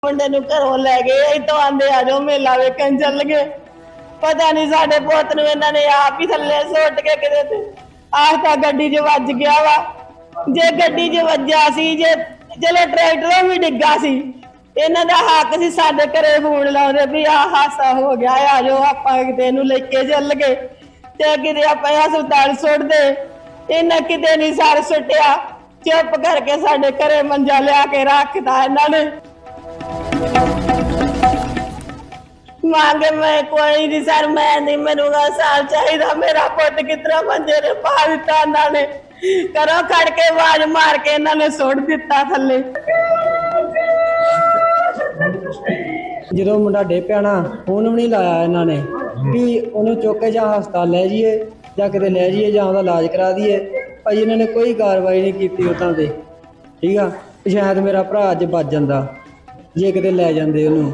ਮੁੰਡੇ ਨੂੰ ਘਰੋਂ ਲੈ ਗਏ ਇਤੋਂ ਆਂਦੇ ਆ ਜਾਓ ਮੇਲਾ ਵੇਖਣ ਚੱਲ ਗਏ। ਪਤਾ ਨਹੀਂ ਸਾਡੇ ਪੁੱਤ ਨੂੰ ਇਹਨਾਂ ਨੇ ਆਪ ਹੀ ਥੱਲੇ ਸੁੱਟ ਕੇ ਕਿਤੇ ਤੇ ਆਹ ਤਾਂ ਗੱਡੀ 'ਚ ਵੱਜ ਗਿਆ ਵਾ। ਜੇ ਗੱਡੀ 'ਚ ਵੱਜਿਆ ਸੀ ਜੇ ਚਲੋ ਟਰੈਕਟਰ ਵੀ ਡਿੱਗਾ ਸੀ, ਇਹਨਾਂ ਦਾ ਹੱਕ ਸੀ ਸਾਡੇ ਘਰੇ ਫੋਨ ਲਾਉਂਦੇ ਵੀ ਆਹ ਹਾਸਾ ਹੋ ਗਿਆ ਆ ਜਾਓ ਆਪਾਂ ਕਿਤੇ ਇਹਨੂੰ ਲੈ ਕੇ ਚੱਲ ਗਏ ਤੇ ਕਿਤੇ ਆਪਾਂ ਹਸਪਤਾਲ ਸੁੱਟਦੇ। ਇਹਨਾਂ ਕਿਤੇ ਨਹੀਂ ਸਰ ਸੁੱਟਿਆ, ਚੁੱਪ ਕਰਕੇ ਸਾਡੇ ਘਰੇ ਮੰਜਾ ਲਿਆ ਕੇ ਰੱਖਦਾ ਇਹਨਾਂ ਨੇ। मांगे मैं कोई नहीं सर, मैं नहीं मनूंगा साल चाहिए मेरा पुत कितना मंजे ने पा दिता इन्होंने करो खड़ के आवाज मार के इन्होंने सुट दिता थले। ਜਦੋਂ ਮੁੰਡਾ ਡੇ ਪਿਆ ਨਾ ਫੋਨ ਵੀ ਨਹੀਂ ਲਾਇਆ ਇਹਨਾਂ ਨੇ ਵੀ ਉਹਨੂੰ ਚੁੱਕ ਕੇ ਜਾਂ ਹਸਪਤਾਲ ਲੈ ਜਾਈਏ ਜਾਂ ਕਿਤੇ ਲੈ ਜਾਈਏ ਜਾਂ ਉਹਦਾ ਇਲਾਜ ਕਰਾ ਦਈਏ। ਭਾਈ ਇਹਨਾਂ ਨੇ ਕੋਈ ਕਾਰਵਾਈ ਨਹੀਂ ਕੀਤੀ ਉਤਾਂ ਤੇ, ਠੀਕ ਆ। ਸ਼ਾਇਦ ਮੇਰਾ ਭਰਾ ਅੱਜ ਬਚ ਜਾਂਦਾ ਜੇ ਕਿਤੇ ਲੈ ਜਾਂਦੇ ਉਹਨੂੰ।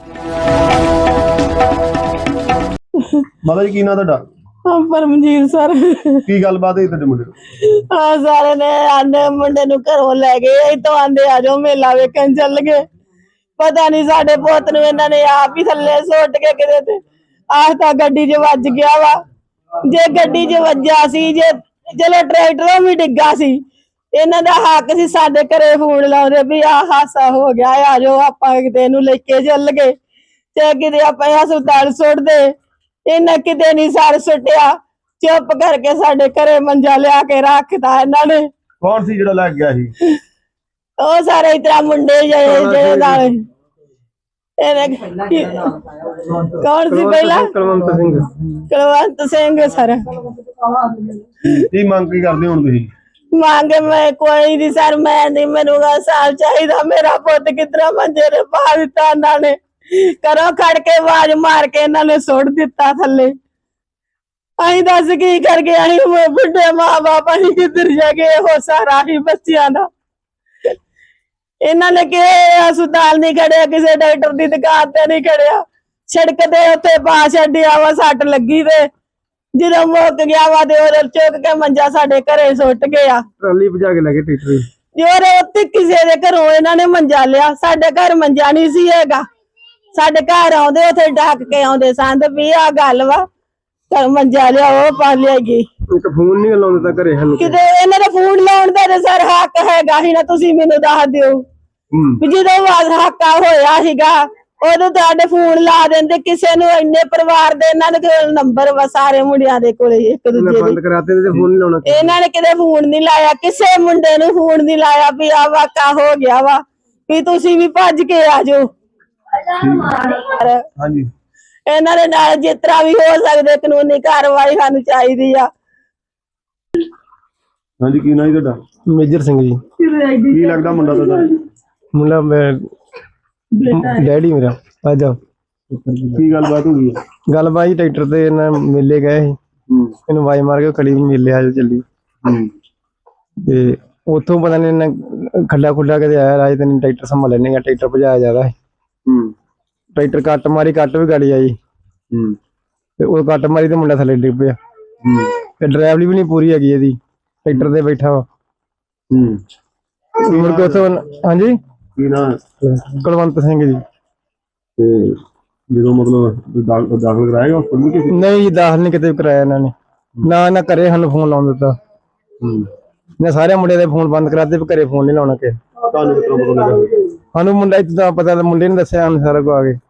ਮਾਤਾ ਜੀ ਕੀ ਨਾਂ ਤੁਹਾਡਾ? ਪਰਮਜੀਤ ਸਰ। ਕੀ ਗੱਲਬਾਤ ਹੈ ਤੁਹਾਡੇ ਮੁੰਡੇ ਨੂੰ? ਸਾਰੇ ਨੇ ਆਂਦੇ ਮੁੰਡੇ ਨੂੰ ਘਰੋਂ ਲੈ ਗਏ ਇਤੋਂ ਆਂਦੇ ਆ ਜਾਓ ਮੇਲਾ ਵੇਖਣ ਚੱਲ ਗਏ। ਪਤਾ ਨਹੀਂ ਸਾਡੇ ਪੁੱਤ ਨੂੰ ਇਹਨਾਂ ਨੇ ਆਪ ਹੀ ਥੱਲੇ ਸੁੱਟ ਕੇ ਕਿਤੇ ਤੇ ਆਹ ਤਾਂ ਗੱਡੀ 'ਚ ਵੱਜ ਗਿਆ ਵਾ। ਜੇ ਗੱਡੀ 'ਚ ਵੱਜਿਆ ਸੀ ਜੇ ਚਲੋ ਟਰੈਕਟਰ ਵੀ ਡਿੱਗਾ ਸੀ, ਇਹਨਾਂ ਦਾ ਹੱਕ ਸੀ ਸਾਡੇ ਘਰੇ ਫੋਨ ਲਾਉਂਦੇ ਵੀ ਆਹ ਹਾਸਾ ਹੋ ਗਿਆ ਆ ਜਾਓ ਆਪਾਂ ਕਿਤੇ ਇਹਨੂੰ ਲੈ ਕੇ ਚੱਲ ਗਏ ਤੇ ਕਿਤੇ ਆਪਾਂ ਹਸਪਤਾਲ ਸੁੱਟਦੇ। ਇਹਨਾਂ ਕਿਤੇ ਨਹੀਂ ਸਰ ਸੁੱਟਿਆ, ਚੁੱਪ ਕਰਕੇ ਸਾਡੇ ਘਰੇ ਮੰਜਾ ਲਿਆ ਕੇ ਰੱਖਦਾ ਇਹਨਾਂ ਨੇ। ਕੌਣ ਸੀ ਜਿਹੜਾ ਲੈ ਗਿਆ ਸੀ? ਉਹ ਸਾਰੇ ਇਤਰਾ ਮੁੰਡੇ ਜਿਹੜੇ ਨਾਲ ਕੌਣ ਸੀ ਪਹਿਲਾਂ? ਕੁਲਵੰਤ ਸਿੰਘ ਸਰ। ਕੀ ਮੰਗ ਕੀ ਕਰਦੇ ਹੁਣ ਤੁਸੀਂ? मांगे मैं कोई नहीं सर, मैं नहीं मनूंगा साल चाहिए मेरा पुत कितना मंजे ने पा दिता इन्होंने करो खड़ के आवाज मार के इन्होंने सुट दिता थले। अं दस की कर गए अं बुढ़े मां बाप अं किधर जागे हो सारा ही बच्चियां दा। इन्होंने के हस्पताल नहीं खड़िया, किसी डॉक्टर की दुकान ते नहीं खड़िया, सड़क ते उत्थे पा छड्डिया वा सट लगी ते ਜਦੋਂ ਮੁੱਕ ਗਿਆ ਵਾ ਤੇ ਉਹ ਚੁੱਕ ਕੇ ਮੰਜਾ ਸਾਡੇ ਘਰੇ ਸੁੱਟ ਗਿਆ। ਟਰਾਲੀ ਭਜਾ ਕੇ ਲੈ ਗਏ ਟਰੈਕਟਰ ਯਾਰ ਉੱਥੇ ਕਿਸੇ ਦੇ ਘਰੋਂ ਇਹਨਾਂ ਨੇ ਮੰਜਾ ਲਿਆ, ਸਾਡੇ ਘਰ ਮੰਜਾ ਨਹੀਂ ਸੀ ਹੈਗਾ। ਸਾਡੇ ਘਰ ਆਉਂਦੇ ਉੱਥੇ ਡੱਕ ਕੇ ਆਉਂਦੇ ਸੰਦ ਵੀ ਆ ਗੱਲ ਵਾ ਘਰ ਮੰਜਾ ਲਿਆ ਉਹ ਪਾ ਲਿਆਗੀ। ਇੱਕ ਫੋਨ ਨਹੀਂ ਲਾਉਂਦੇ ਤਾਂ ਘਰੇ ਹਨ ਕਿਤੇ ਇਹਨਾਂ ਦਾ ਫੋਨ ਲਾਉਣ ਦਾ ਤੇ ਸਰ ਹੱਕ ਹੈਗਾ ਹੀ ਨਾ, ਤੁਸੀਂ ਮੈਨੂੰ ਦੱਸ ਦਿਓ ਵੀ ਜਦੋਂ ਹੱਕਾ ਹੋਇਆ ਸੀਗਾ ਉਦੋਂ ਤੁਹਾਡੇ ਫੋਨ ਲਾ ਦਿੰਦੇ ਕਿਸੇ ਨੂੰ। ਇੰਨੇ ਪਰਿਵਾਰ ਦੇ ਇਹਨਾਂ ਦੇ ਕੋਲ ਨੰਬਰ ਵਾ ਸਾਰੇ ਮੁੰਡਿਆਂ ਦੇ ਕੋਲੇ ਇੱਕ ਦੂਜੇ ਬੰਦ ਕਰਾਤੇ ਤੇ ਫੋਨ ਨਹੀਂ ਲਾਉਣਾ। ਇਹਨਾਂ ਨੇ ਕਿਤੇ ਫੋਨ ਨਹੀਂ ਲਾਇਆ, ਕਿਸੇ ਮੁੰਡੇ ਨੂੰ ਫੋਨ ਨਹੀਂ ਲਾਇਆ ਵੀ ਆ ਵਾਕਾ ਹੋ ਗਿਆ ਵਾ ਵੀ ਤੁਸੀਂ ਵੀ ਭੱਜ ਕੇ ਆ ਜਾਓ। ਹਾਂਜੀ ਇਹਨਾਂ ਦੇ ਨਾਲ ਜਿਸ ਤਰ੍ਹਾਂ ਵੀ ਹੋ ਸਕਦੇ ਕਾਨੂੰਨੀ ਕਾਰਵਾਈ ਸਾਨੂੰ ਚਾਹੀਦੀ ਆ। ਹਾਂਜੀ ਕੀ ਨਾਂ ਜੀ ਤੁਹਾਡਾ? ਮੇਜਰ ਸਿੰਘ ਜੀ। ਕੀ ਲੱਗਦਾ ਮੁੰਡਾ ਤੁਹਾਡਾ? ਮੁੰਡਾ ਮੈਂ ਡੈਡੀ ਮੇਰਾ। ਅੱਜ ਕੀ ਗੱਲਬਾਤ ਹੋ ਗਈ ਹੈ? ਗੱਲਬਾਤ ਟਰੈਕਟਰ ਤੇ ਇਹਨਾਂ ਮੇਲੇ ਗਏ ਸੀ, ਇਹਨੂੰ ਆਵਾਜ਼ ਮਾਰ ਕੇ ਖੜੀ ਮੇਲੇ ਆ ਚੱਲੀ ਤੇ ਉੱਥੋਂ ਪਤਾ ਨਹੀਂ ਇਹਨਾਂ ਖੱਡਾ ਖੁੱਡਾ ਕਿਤੇ ਆਇਆ ਰਾਜ ਤੇ ਟਰੈਕਟਰ ਸੰਭਾਲ ਲੈਣੇ ਆ। ਟਰੈਕਟਰ ਭਜਾਇਆ ਜ਼ਿਆਦਾ ਹੈ, ਟਰੈਕਟਰ ਕੱਟ ਮਾਰੀ, ਕੱਟ ਵੀ ਗਾੜੀ ਆਈ ਤੇ ਉਹ ਕੱਟ ਮਾਰੀ ਤੇ ਮੁੰਡਾ ਥੱਲੇ ਡਿੱਗ ਪਿਆ ਤੇ ਡਰਾਈਵਰੀ ਵੀ ਨਹੀਂ ਪੂਰੀ ਹੈਗੀ ਇਹਦੀ, ਟਰੈਕਟਰ ਤੇ ਬੈਠਾ ਵਾ ਮੁੜ ਕੇ ਉੱਥੋਂ। ਹਾਂਜੀ ਕੀ ਨਾਂ? ਕੁਲਵੰਤ ਸਿੰਘ ਜੀ। ਤੇ ਜਦੋਂ ਮਤਲਬ ਦਾਖਲ ਕਰਾਏਗਾ ਹਸਪਤਾਲ ਕਿਸੇ? ਨਹੀਂ ਜੀ ਦਾਖਲ ਨਹੀਂ ਕਿਤੇ ਕਰਾਇਆ ਇਹਨਾਂ ਨੇ, ਨਾ ਨਾ ਘਰੇ ਸਾਨੂੰ ਫੋਨ ਲਾਉਣ ਦਿੱਤਾ। ਮੈਂ ਸਾਰੇ ਮੁੰਡਿਆਂ ਦੇ ਫੋਨ ਬੰਦ ਕਰਾਤੇ, ਘਰੇ ਫੋਨ ਨਹੀਂ ਲਾਉਣਾ ਕਿ ਤੁਹਾਨੂੰ ਕਿਤਨਾ ਪਤਾ ਲੱਗਾ? ਸਾਨੂੰ ਮੁੰਡਾ ਇੱਦਾਂ ਪਤਾ, ਮੁੰਡੇ ਨੇ ਦੱਸਿਆ ਸਾਨੂੰ ਸਾਰਾ ਕੁਝ ਆ ਕੇ।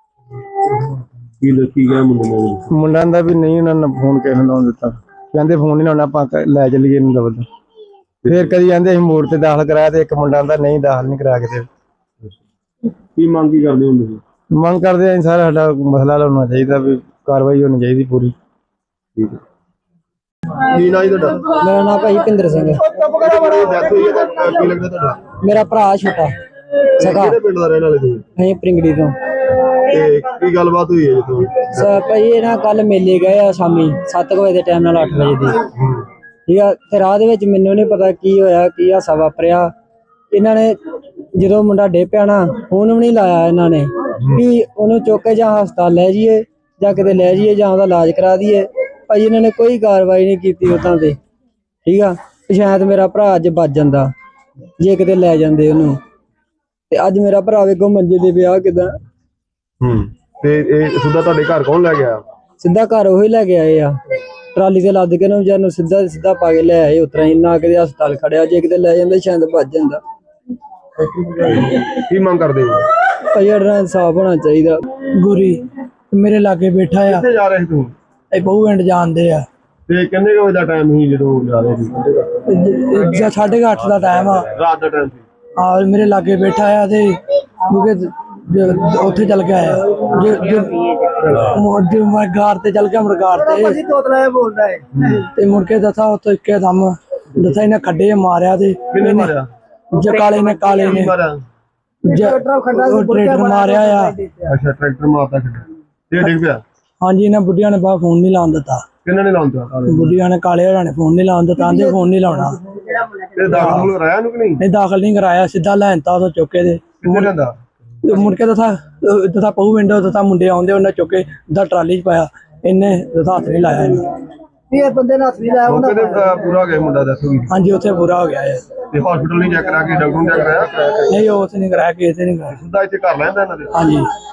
ਕੀ ਗਿਆ ਮੁੰਡੇ ਨੇ? ਮੁੰਡਾ ਦਾ ਵੀ ਨਹੀਂ ਉਹਨਾਂ ਨੇ ਫੋਨ ਕਿਸੇ ਨੂੰ ਲਾਉਣ ਦਿੱਤਾ, ਕਹਿੰਦੇ ਫੋਨ ਨਹੀਂ ਲਾਉਣਾ ਆਪਾਂ ਲੈ ਚੱਲੀਏ ਇਹਨੂੰ ਦਬਦ। ਫੇਰ ਕਦੀ ਕਹਿੰਦੇ ਅਸੀਂ ਮੋੜ ਤੇ ਦਾਖਲ ਕਰਾਇਆ ਤੇ ਇੱਕ ਮੁੰਡਾ ਦਾ ਨਹੀਂ ਦਾਖਲ ਨਹੀਂ ਕਰਾ ਕੇ ਤੇ। ਕੀ ਮੰਗ ਕੀ ਕਰਦੇ ਹੋ ਤੁਸੀਂ? ਮੰਗ ਕਰਦੇ ਆਂ ਸਾਰਾ ਸਾਡਾ ਮਸਲਾ ਹੋਣਾ ਚਾਹੀਦਾ ਵੀ ਕਾਰਵਾਈ ਹੋਣੀ ਚਾਹੀਦੀ ਪੂਰੀ। ਠੀਕ ਹੈ। ਕੀ ਨਾਂ ਜੀ ਤੁਹਾਡਾ? ਮੇਰਾ ਨਾਮ ਭਾਈ ਭਿੰਦਰ ਸਿੰਘ। ਡੈਥ ਹੋਈ ਹੈ ਤਾਂ ਕੀ ਲੱਗਦਾ ਤੁਹਾਡਾ? ਮੇਰਾ ਭਰਾ ਛੋਟਾ ਸਗਾ। ਕਿਹੜੇ ਪਿੰਡ ਦਾ ਰਹਿਣ ਵਾਲੇ ਤੁਸੀਂ? ਅਸੀਂ ਪ੍ਰਿੰਗੜੀ ਤੋਂ। ਤੇ ਕੀ ਗੱਲਬਾਤ ਹੋਈ ਹੈ ਜੀ ਤੁਹਾਨੂੰ? ਭਾਈ ਇਹ ਨਾ ਕੱਲ ਮੇਲੇ ਗਏ ਆ ਸ਼ਾਮੀ 7 ਵਜੇ ਦੇ ਟਾਈਮ ਨਾਲ 8 ਵਜੇ ਦੀ, ਠੀਕ ਆ। ਤੇ ਰਾਹ ਦੇ ਵਿੱਚ ਮੈਨੂੰ ਨਹੀਂ ਪਤਾ ਕੀ ਹੋਇਆ, ਕੀ ਹਾਸਾ ਵਾਪਰਿਆ। ਇਹਨਾਂ ਨੇ ਜਦੋਂ ਮੁੰਡਾ ਡੇ ਪਿਆ ਨਾ ਫੋਨ ਵੀ ਨਹੀਂ ਲਾਇਆ ਇਹਨਾਂ ਨੇ ਵੀ ਉਹਨੂੰ ਚੁੱਕ ਕੇ ਜਾਂ ਹਸਪਤਾਲ ਲੈ ਜਾਈਏ ਜਾਂ ਕਿਤੇ ਲੈ ਜਾਈਏ ਜਾਂ ਉਹਦਾ ਇਲਾਜ ਕਰਾ ਦਈਏ। ਭਾਈ ਇਹਨਾਂ ਨੇ ਕੋਈ ਕਾਰਵਾਈ ਨਹੀਂ ਕੀਤੀ ਉਤਾਂ ਤੇ, ਠੀਕ ਆ। ਸ਼ਾਇਦ ਮੇਰਾ ਭਰਾ ਅੱਜ ਬਚ ਜਾਂਦਾ ਜੇ ਕਿਤੇ ਲੈ ਜਾਂਦੇ ਉਹਨੂੰ। ਤੇ ਅੱਜ ਮੇਰਾ ਭਰਾ ਵੇਖੋ ਮੰਜੇ ਦੇ ਵਿਆਹ ਕਿਦਾਂ। ਤੇ ਇਹ ਸਿੱਧਾ ਤੁਹਾਡੇ ਘਰ ਕੌਣ ਲੈ ਗਿਆ? ਸਿੱਧਾ ਘਰ ਉਹੀ ਲੈ ਕੇ ਆਏ ਆ, ਟਰਾਲੀ ਤੇ ਲੱਦ ਕੇ ਨਾ ਵਿਚਾਰ ਨੂੰ ਸਿੱਧਾ ਪਾ ਕੇ ਲੈ ਆਏ। ਉਤਰਾ ਹੀ ਨਾ ਕਿਤੇ ਹਸਪਤਾਲ ਖੜਿਆ, ਜੇ ਕਿਤੇ ਲੈ ਜਾਂਦੇ ਸ਼ਾਇਦ ਭੱਜ ਜਾਂਦਾ। ਕੀ ਮੰਗ ਕਰਦੇ ਹੋ? ਭਾਈ ਸਾਡਾ ਇਨਸਾਫ ਹੋਣਾ ਚਾਹੀਦਾ। ਗੁਰੀ ਮੇਰੇ ਲਾਗੇ ਬੈਠਾ ਆ, ਕਿੱਥੇ ਜਾ ਰਹੇ ਸੀ ਤੂੰ? ਇਹ ਬਹੁ ਪਿੰਡ ਜਾਂਦੇ ਆ। ਤੇ ਕਿੰਨੇ ਕੁ ਵਜੇ ਦਾ ਟਾਈਮ ਸੀ ਜਦੋਂ ਜਾ ਰਹੇ ਸੀ? 8:30 ਦਾ ਟਾਈਮ ਆ। ਰਾਤ ਦਾ ਟਾਈਮ ਸੀ। ਆ ਮੇਰੇ ਲਾਗੇ ਬੈਠਾ ਆ ਤੇ ਉੱਥੇ ਚੱਲ ਗਿਆ ਆ। ਜੋ ਮੈਂ ਗਾਰ ਤੇ ਚੱਲ ਗਿਆ, ਮੁਰਗਾਰ ਤੇ ਤੇ ਮੁੜ ਕੇ ਦੱਸਾ ਉੱਥੇ ਇੱਕੇ ਦਮ ਦੱਸਾ ਇਹਨੇ ਖੱਡੇ ਮਾਰਿਆ ਤੇ ਕਿੰਨੇ ਮਾਰਿਆ? ਕਾਲੇ ਨੇ ਮਾਰਿਆ? ਟਰੈਕਟਰ ਮਾਰਿਆ ਆ। ਅੱਛਾ, ਟਰੈਕਟਰ ਮਾਰਦਾ ਖੱਡਾ ਤੇ ਡਿੱਗ ਪਿਆ। ਹਾਂਜੀ, ਇਹਨਾਂ ਬੁੱਢੀਆਂ ਨੇ ਬਾਹਰ ਫੋਨ ਨਹੀਂ ਲਾਉਣ ਦਿੱਤਾ। ਕਿੰਨਾਂ ਨੇ ਲਾਉਂਦਾ? ਬੁੱਢੀਆਂ ਨੇ, ਕਾਲੇ ਹੋਰਾਂ ਨੇ ਫੋਨ ਨਹੀਂ ਲਾਉਣ ਦਿੱਤਾ, ਆਂਦੇ ਫੋਨ ਨਹੀਂ ਲਾਉਣਾ। ਤੇ ਦਾਖਲ ਕਰਾਇਆ ਨੂੰ ਕਿ ਨਹੀਂ? ਨਹੀਂ ਦਾਖਲ ਨਹੀਂ ਕਰਾਇਆ, ਸਿੱਧਾ ਲੈਣਤਾ ਉਹ ਚੁੱਕੇ ਦੇ। ਕਿੱਥੇ ਲੈਂਦਾ? ਮੁੜ ਕੇ ਦੱਸਾ ਪਹੂ ਵਿੰਡੋ ਦੱਸਾ ਮੁੰਡੇ ਆਉਂਦੇ, ਉਹਨਾਂ ਚੁੱਕੇ ਦਾ ਟਰਾਲੀ 'ਚ ਪਾਇਆ। ਇਹਨੇ ਦੱਸਾ ਹੱਥ ਨਹੀਂ ਲਾਇਆ ਇਹਨੂੰ। ਇਹ ਬੰਦੇ ਨੇ ਹੱਥ ਨਹੀਂ ਲਾਇਆ। ਮੌਕੇ ਤੇ ਪੂਰਾ ਹੋ ਗਿਆ ਮੁੰਡਾ, ਦੱਸੋਗੀ? ਹਾਂਜੀ, ਉੱਥੇ ਪੂਰਾ ਹੋ ਗਿਆ ਹੈ। ਤੇ ਹਸਪੀਟਲ ਨਹੀਂ ਚੈੱਕ ਕਰਾ ਕੇ, ਡਾਕਟਰ ਨੂੰ ਚੈੱਕ ਕਰਾਇਆ? ਨਹੀਂ, ਉਹ ਨਹੀਂ ਕਰਾਇਆ, ਕਿਸੇ ਨੇ ਨਹੀਂ ਕਰਾਇਆ। ਸਿੱਧਾ ਇੱਥੇ ਕਰ ਲੈਂਦਾ ਇਹਨਾਂ ਦੇ? ਹਾਂਜੀ।